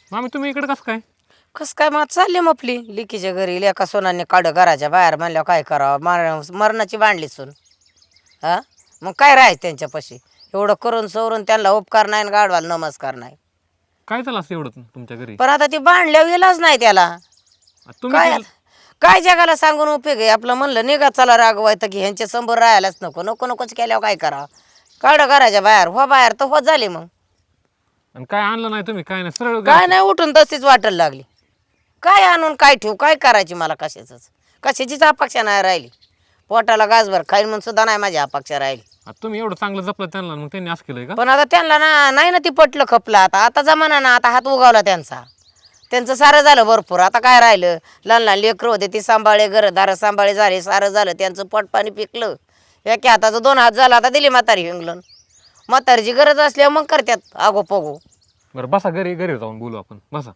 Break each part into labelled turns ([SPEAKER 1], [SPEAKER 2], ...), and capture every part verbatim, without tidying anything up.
[SPEAKER 1] मामी तुम्ही इकडे कसं काय?
[SPEAKER 2] कस काय मग चालली मपली लिकीच्या घरी लेका सोनाने काढ घराच्या बाहेर म्हणल्यावर काय करावं मार मरणाची बांधली सून. हा मग काय राहायचं त्यांच्यापाशी एवढं करून सवरून त्यांना उपकार नाही गाडवाला नमस्कार नाही.
[SPEAKER 1] काय झालं असं एवढं तुमच्या घरी?
[SPEAKER 2] पण आता ती बांधल्यावर गेलाच नाही त्याला.
[SPEAKER 1] आ, तुम्ही
[SPEAKER 2] काय
[SPEAKER 1] ते-
[SPEAKER 2] आता- काय जगाला सांगून उपयोग आहे आपलं म्हणलं निघा चला रागवायचं की ह्यांच्या समोर राहायलाच नको नको नकोच केल्यावर काय करावं काढ घराच्या बाहेर हो बाहेर तर हो झाली मग
[SPEAKER 1] आणि काय आणलं नाही तुम्ही काय नाही सरळ
[SPEAKER 2] काय
[SPEAKER 1] घरात-
[SPEAKER 2] नाही उठून तशीच वाटायला लागली. काय आणून काय ठेवू काय करायची मला कशाच कशाचीच अपेक्षा नाही राहिली. पोटाला गाजभर खाईल म्हणून सुद्धा नाही माझी अपेक्षा राहिली.
[SPEAKER 1] आ, तुम्ही एवढं चांगलं जपलं त्यांना मग त्यांनी असं केलंय का?
[SPEAKER 2] पण आता त्यांना ना नाही ना ती पटलं खपलं आता आता जमाना ना आता हात उगावला त्यांचा. त्यांचं सारं झालं भरपूर आता काय राहिलं लहान लहान लेकरं होते ती सांभाळे घरदार सांभाळे झाले सारं झालं त्यांचं पोटपाणी पिकलं. एका हाताचं दोन हात झाला आता दिली म्हातारी हिंगलन. म्हातारीची गरज असल्यावर मग करतात आगो पगो.
[SPEAKER 1] बरं बसा घरी घरी जाऊन बोलू आपण बसा.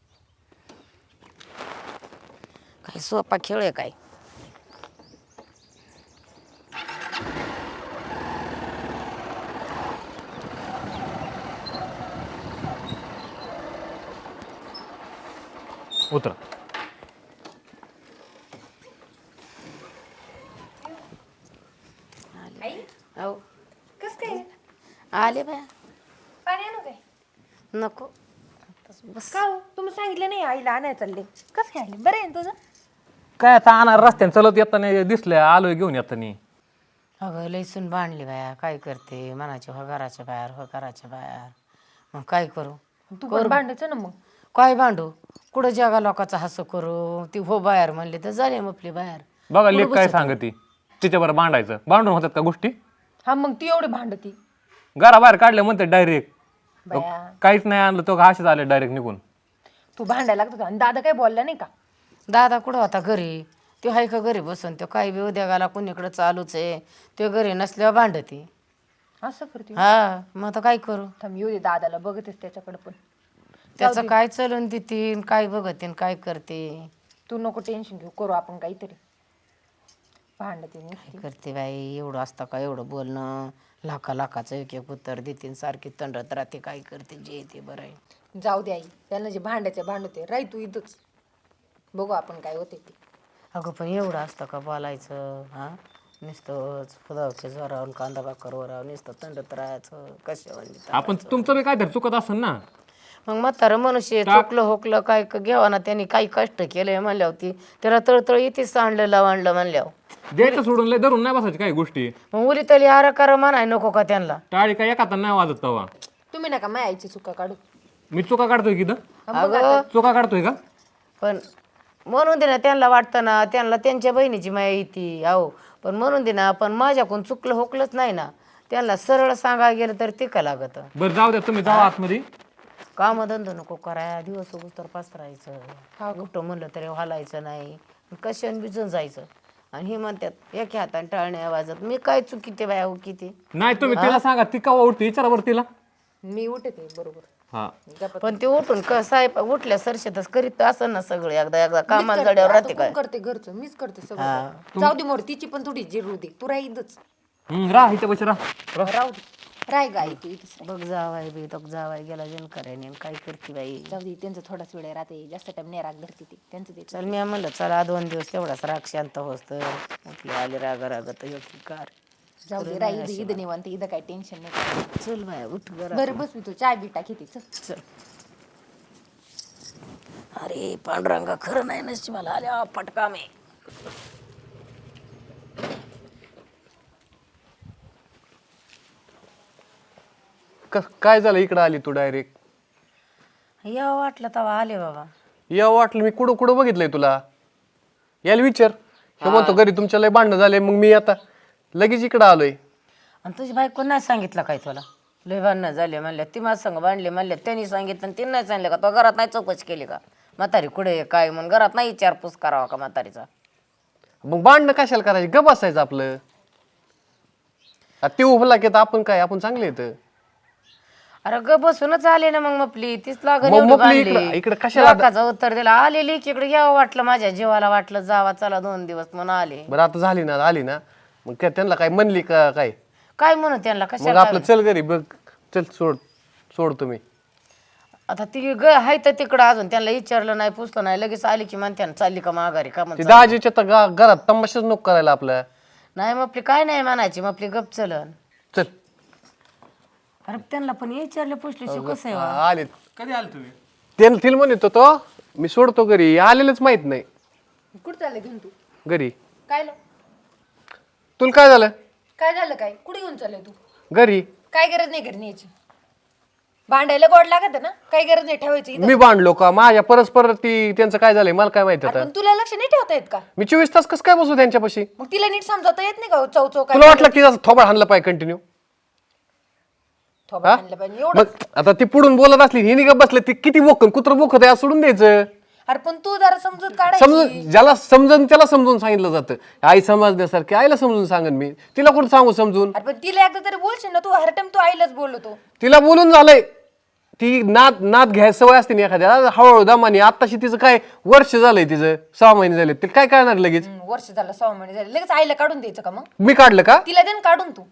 [SPEAKER 2] काय सोपा खेळ आहे काय.
[SPEAKER 1] उतरा.
[SPEAKER 2] हो
[SPEAKER 3] कस काय
[SPEAKER 2] आले बाया
[SPEAKER 3] पाणी आणू काय
[SPEAKER 2] नको बस.
[SPEAKER 3] का हो तुम्ही सांगितलं नाही आईला आणायला चालले कस काय आले बरं आहे ना तुझं
[SPEAKER 1] काय आता आणणार रस्त्याने चलत येताना दिसल्या आलोय घेऊन येताना.
[SPEAKER 2] अगं लईसून बांधली बाया काय करते मनाची हो घराच्या बाहेर हो घराच्या बाहेर मग काय करू
[SPEAKER 3] तू पण भांडायचं ना मग
[SPEAKER 2] काय भांडू कुठं जगा लोकांचा हसं करू ती हो बाहेर म्हणले तर झाले मपली बाहेर.
[SPEAKER 1] बघा लेख काय सांगती तिच्याबरोबर भांडायचं भांडून होतात का गोष्टी?
[SPEAKER 3] हा मग ती एवढी भांडती
[SPEAKER 1] घराबाहेर काढले म्हणते डायरेक्ट
[SPEAKER 3] बाया
[SPEAKER 1] काहीच नाही आणलं तो असेच आले डायरेक्ट निघून.
[SPEAKER 3] तू भांडायला लागत होता आणि दादा काही बोलला नाही का
[SPEAKER 2] दादा कुठं होता घरी तो हाय का घरी बसून तो काही बी उद्योगाला कुणीकडं चालूच आहे तो घरी नसल्यावर भांडती.
[SPEAKER 3] असं करते
[SPEAKER 2] हा मग आता काय करू
[SPEAKER 3] थांब येऊ दे दादाला बघतेस त्याच्याकडे पण
[SPEAKER 2] त्याचं काय चलून देतीन काय बघतीन काय करते
[SPEAKER 3] तू नको टेन्शन घेऊ करू आपण काहीतरी भांडते नुसती.
[SPEAKER 2] काय करते बाई एवढं असतं का एवढं बोलणं लाखा लाखाचं एक एक उत्तर देतीन सारखी तंडत राहते काय करते जे ते बरं आहे.
[SPEAKER 3] जाऊ दे आई त्यांना जे भांडायचे भांडते राही तू इथंच बघू आपण काय होते ते.
[SPEAKER 2] अगं पण एवढं असतं का बोलायचं हा नुसतंच फुदावके जोरावून कांदा बाकरवर नुसतं तंडत राहायचं कशा
[SPEAKER 1] आपण तुमचं बी काहीतरी चुकत असेल ना.
[SPEAKER 2] मग म्हातारं मनुष्य चुकलं होकलं काय घ्यावा ना त्यांनी काही कष्ट केलंय म्हणल्यावर ती त्याला तळतळ येतेच आणलं लावणलं म्हणल्यावर
[SPEAKER 1] द्यायचं सोडून लय धरून नाही बसायची काही गोष्टी.
[SPEAKER 2] मग उली तरी आरा करा म्हणाय नको का त्यांना.
[SPEAKER 1] टाळी काय एका नाही वाजत तवा.
[SPEAKER 3] तुम्ही नका माझ्या आईची चुका काढू
[SPEAKER 1] मी चुका काढतोय की इथं?
[SPEAKER 2] अगं
[SPEAKER 1] चुका काढतोय का?
[SPEAKER 2] पण म्हणून दे ना त्यांना वाटतं ना त्यांना त्यांच्या बहिणीची माया येते अहो पण म्हणून दे ना पण माझ्याकडून चुकलं होकलंच नाही ना त्यांना सरळ सांगायला गेलं तर ते का लागत.
[SPEAKER 1] बरं जाऊ द्या तुम्ही जावा आतमध्ये.
[SPEAKER 2] कामधंदा नको कराय दिवस उगूस तर पसरायचं कुठं म्हणलं तरी हलायचं नाही कशाने भिजून जायचं आणि हे म्हणतात एका हाताने टाळण्या वाजत मी काय चुकी ते बाया किती
[SPEAKER 1] नाही तुम्ही तिला सांगा ती का उठते विचारा बरं तिला.
[SPEAKER 3] मी उठते बरोबर
[SPEAKER 1] हा
[SPEAKER 2] पण ते उठून क साहेब उठल्या सरशेतच करीत असं ना सगळं एकदा एकदा कामाला जड्यावर राहते काय.
[SPEAKER 3] करते घरचं मीच करते सगळं जाऊ दे मोर तिची पण थोडी जिरू दे तू राही इथंच
[SPEAKER 1] हम्म, राह इथे बस राह.
[SPEAKER 3] राहू दे राय गाई तू इथंच राह.
[SPEAKER 2] बघ जावाय बी तो जावाय गेला जन करायने काय करते बाई.
[SPEAKER 3] जाऊ दे त्यांचं थोडाच वेळ राहते जास्त टाइम नाही राग धरते ती त्यांचं ते
[SPEAKER 2] चल मी म्हणलं चला दोन दिवस तेवढाच राग शांत होस तर आपली आली राग रागत योग्य कार.
[SPEAKER 3] जाऊ दे राही इथं इथं निवांत इथं काही टेन्शन नाही
[SPEAKER 2] चल बाया उठ घरा.
[SPEAKER 3] बरं बस मी तू चाय बिटा घेते चल
[SPEAKER 2] चल. अरे पांडुरंगा खरं नाही नसती मला आल्या फटका मी.
[SPEAKER 4] काय झालं इकडं आली तू डायरेक्ट?
[SPEAKER 2] या वाटलं तेव्हा आले बाबा.
[SPEAKER 4] या वाटलं मी कुठं कुठं बघितलंय तुला. याला विचार हे म्हणतो घरी तुमच्या लय भांडणं झाले मग मी आता लगेच इकडं आलोय.
[SPEAKER 2] आणि तुझी बायको नाही सांगितलं काय तुला लय भांडणं झाले म्हणल्या ती माझ संग बांधले म्हणल्या त्यांनी सांगितलं आणि तिने नाही सांगितलं का तो घरात नाही चौकशी केली का म्हातारी कुठे आहे काय म्हणून घरात नाही विचारपूस करावा का म्हातारीचा.
[SPEAKER 4] मग भांडणं कशाला करायची ग बसायचं आपलं. आता ते उभला की आता आपण काय आपण चांगले येतं.
[SPEAKER 2] अरे ग बसूनच आले ना मग मपली तीच लागण
[SPEAKER 4] मग
[SPEAKER 2] एवढी
[SPEAKER 4] मपली
[SPEAKER 2] बांधली.
[SPEAKER 4] इकडं- इकडं कशाला-
[SPEAKER 2] लोकाचं उत्तर दिलं आलेली इकडे यावं वाटलं माझ्या जीवाला वाटलं जावा चला दोन दिवस म्हणून आले.
[SPEAKER 4] बरं आता झाली ना आली ना मग काय त्यांना काय म्हणली का काय?
[SPEAKER 2] काय म्हणू त्यांना
[SPEAKER 4] मग
[SPEAKER 2] कशा
[SPEAKER 4] आपलं चल घरी बघ चल सोड सोड तुम्ही.
[SPEAKER 2] आता ती ग हाय तर तिकडं अजून त्यांना विचारलं नाही पुसलं नाही लगेच आली की म्हणते ना, चालली का माघारी का
[SPEAKER 4] ती
[SPEAKER 2] म्हणते
[SPEAKER 4] दाजीच्या तर गा- घरात तमाशाच नको करायला आपल्या.
[SPEAKER 2] नाही मग आपली काय नाही म्हणायची मग आपली गप चलन.
[SPEAKER 4] चल
[SPEAKER 2] अरे त्यांना पण विचारलं पुसली कसं आहे वा?
[SPEAKER 4] आले
[SPEAKER 1] कधी आले तुम्ही?
[SPEAKER 4] त्याला तिला म्हणत होतो मी सोडतो घरी, आलेलंच माहित नाही
[SPEAKER 3] कुठं चाललंय घेऊन तू
[SPEAKER 4] घरी.
[SPEAKER 3] काय लो?
[SPEAKER 4] तुला काय झालं
[SPEAKER 3] काय झालं काय कुठे घेऊन चाललंय तू
[SPEAKER 4] घरी?
[SPEAKER 3] काय गरज नाही घरी न्यायची. भांडायला गोड लागत ना, काही गरज नाही ठेवायची इथं.
[SPEAKER 4] मी भांडलो का माझ्या परस्पर ती त्यांचं काय झालंय मला काय माहिती
[SPEAKER 3] अरे
[SPEAKER 4] आता.
[SPEAKER 3] पण तुला लक्ष नाही ठेवता येत का?
[SPEAKER 4] मी चोवीस तास कसं काय बसू त्यांच्यापाशी?
[SPEAKER 3] मग तिला नीट समजावता येत नाही का हो, चौ चौ काय
[SPEAKER 4] तुला वाटलं की असं थोबा हाणलं पाहिजे कंटिन्यू?
[SPEAKER 3] थोबा आणलं पाहिजे एवढं.
[SPEAKER 4] मग आता ती पुढून बोलत असली हिने का बसले ती किती बोकन कुत्र बोकत आहे सोडून द्यायचं.
[SPEAKER 3] अरे पण तू जरा समजूत काढायची.
[SPEAKER 4] समजून ज्याला समजून त्याला समजून सांगितलं जातं. आई समजण्यासारखी आईला समजून सांगन मी, तिला कुठं सांगू समजून?
[SPEAKER 3] अरे पण तिला एकदा तरी बोलशील ना, तू हर टाइम तू आईलाच बोलतो.
[SPEAKER 4] तिला बोलून झालंय, ती नाद नाद घ्यायची सवय असते ना एखाद्या हळूहळू दमाने. आत्ताशी तिचं काय वर्ष झालंय, तिचं सहा महिने झाले, तिला काय करणार लगेच?
[SPEAKER 3] हम्म, वर्ष झालं सहा महिने झाले लगेच आईला काढून द्यायचं का? मग
[SPEAKER 4] मी काढलं का?
[SPEAKER 3] तिला दे ना काढून तू.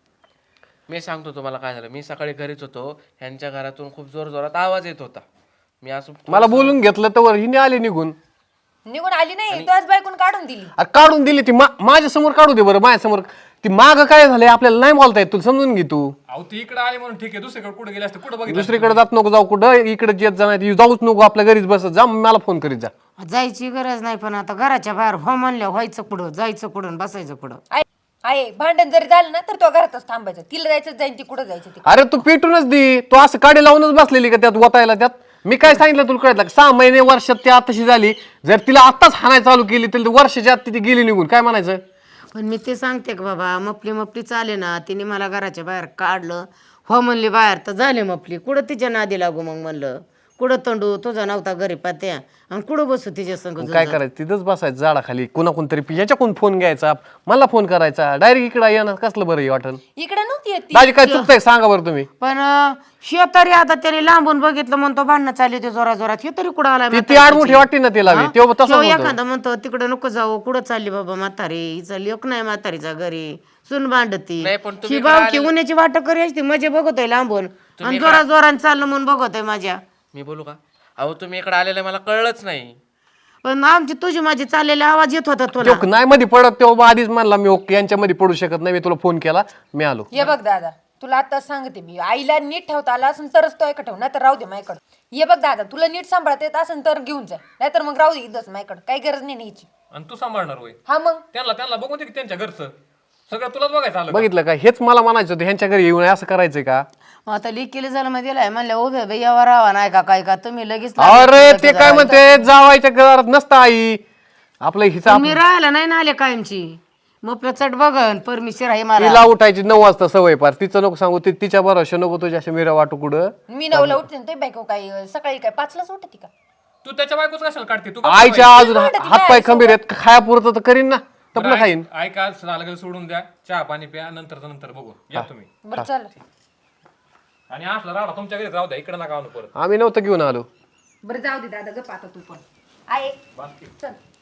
[SPEAKER 5] मी सांगतो तुम्हाला काय झालं. मी सकाळी घरीच होतो, ह्यांच्या घरातून खूप जोर जोरात आवाज येत होता. मी असं
[SPEAKER 4] मला बोलून घेतलं तर हिने आले निघून.
[SPEAKER 3] निघून आली नाही, तू आज बायकून काढून दिली.
[SPEAKER 4] अरे काढून दिली ती माझ्या समोर काढू दे बरं. माझ्या समोर ती माग काय झालंय आपल्याला नाही बोलता येत, तुला समजून घे तू.
[SPEAKER 1] अहो ती इकडे आली म्हणून ठीक आहे, दुसरीकडे कुठे गेले असते, कुठं बघितलं?
[SPEAKER 4] दुसरीकडे जात नको जाऊ, कुठं इकडे येत जाणार जाऊच नको, आपल्या घरीच बस जा, मला फोन करीत जा.
[SPEAKER 2] जायची गरज नाही पण आता घराच्या बाहेर हो म्हणल्या व्हायचं कुठं, जायचं कुठं, बसायचं कुठं.
[SPEAKER 3] आई आहे भांडण जरी झालं ना तर तो घरातच थांबायचं. तिला जायचं जाईन ती कुठं जायचं ती.
[SPEAKER 4] अरे तू पेटूनच दे, तू असं काडी लावूनच बसलेली का त्यात वतायला? त्यात मी काय सांगितलं तुला कळत? सहा महिने वर्षात ती आताशी झाली, जर तिला आत्ताच हाणायला चालू केली तर वर्षाच्या आत ती गेली निघून, काय म्हणायचं?
[SPEAKER 2] पण मी ते सांगते का बाबा, मपली मपली चाले ना, तिने मला घराच्या बाहेर काढलं हो म्हणली बाहेर तर झाले मपली. कुठं तिच्या नादी लागू मग म्हणलं, कुठं तंडू तुझा नव्हता घरी पात्या आणि कुठं बसू तिच्या संग.
[SPEAKER 4] काय करायचं? तिथंच बसायचं झाडाखाली, कुणा कोणतरी याच्याकडून फोन घ्यायचा, मला फोन करायचा, डायरेक्ट इकडे येणार कसलं बरं वाटल?
[SPEAKER 3] इकडे नव्हती येत ती.
[SPEAKER 4] दाजी काय चुकतंय सांगा बरं तुम्ही.
[SPEAKER 2] पण शेतारी आता त्याने लांबून बघितलं म्हणतो भांडणं चालली ते जोरा जोरात, हे तरी कुठं आलाय
[SPEAKER 4] ती ती आडमुठी वाटते ना तिला बी, तेव्हा तसं
[SPEAKER 2] किंवा
[SPEAKER 4] होतं.
[SPEAKER 2] एखादा म्हणतो तिकडे नको जाऊ, कुठं चालली बाबा म्हातारी, हिचा लेक नाही म्हातारीचा घरी, सुन भांडती
[SPEAKER 5] नाही, पण तुम्ही
[SPEAKER 2] ही बावकी उन्हाची वाट करी असते, मजे बघतोय लांबून आणि जोरा जोरान चाललं म्हणून बघतोय माझ्या.
[SPEAKER 5] मी बोलू का? अहो तुम्ही इकडे आलेलं मला कळलंच नाही.
[SPEAKER 2] पण आमची तुझी माझी चाललेला आवाज येत होता तुला.
[SPEAKER 4] तो नाही मध्ये पडत तेव्हा आधीच म्हणला मी ओके यांच्यामध्ये पडू शकत नाही, मी तुला फोन केला, मी आलो.
[SPEAKER 3] ये बघ दादा, तुला आता सांगते मी, आईला नीट ठेवता आला असेल तरच तो ऐका ठेव, नाही तर राहू दे माझ्याकडं. ये बघ दादा, तुला नीट सांभाळता येत असेल तर घेऊन जा, नाहीतर मग राहू दे इथंच माझ्याकडं, काही गरज नाही न्यायची.
[SPEAKER 1] आणि तू सांभाळणार होय?
[SPEAKER 3] हा मग
[SPEAKER 1] त्यांना त्यांना बघून दे की त्यांच्या घरचं सगळं तुलाच बघायचं आलं का?
[SPEAKER 4] बघितलं का? हेच मला म्हणायचं होतं, ह्यांच्या घरी येऊन असं करायचंय का?
[SPEAKER 2] मग आता लिकेली झालं मग दिलाय म्हणलं उभे बाई यावर राहा नाही का काय का तुम्ही लगेच
[SPEAKER 4] अरे ते काय म्हणते, जावायच्या घरात नसतं आई आपलं हिसाब.
[SPEAKER 2] मी राहायला नाही ना आले कायमची, मग चट बघन परमिशन आहे मला.
[SPEAKER 4] तिला उठायची नऊ वाजता सवय पार, तिचं नको सांगू, ती तिच्या भरोशा नको तुझ्या अशा मिरा वाटू कुठं.
[SPEAKER 3] मी नवला उठते ना, ते बायको काय सकाळी काय पाचलाच उठते का?
[SPEAKER 1] तू त्याच्या बायकोच कशाला काढते? तू
[SPEAKER 4] आईच्या अजून हातपाय खंबीर आहेत, खायापुरतं तर करीन ना, तपलं खाईन.
[SPEAKER 1] ऐका लागेल सोडून द्या, चहा पाणी प्या, नंतर नंतर बघू या तुम्ही.
[SPEAKER 3] बरं चल.
[SPEAKER 1] आणि असला राडा तुमच्या घरी राहू द्या, इकडे नका आणू परत.
[SPEAKER 4] आम्ही नव्हतं घेऊन आलो.
[SPEAKER 3] बरं जाऊ दे दादा, गप आता तू पण आहे. चल.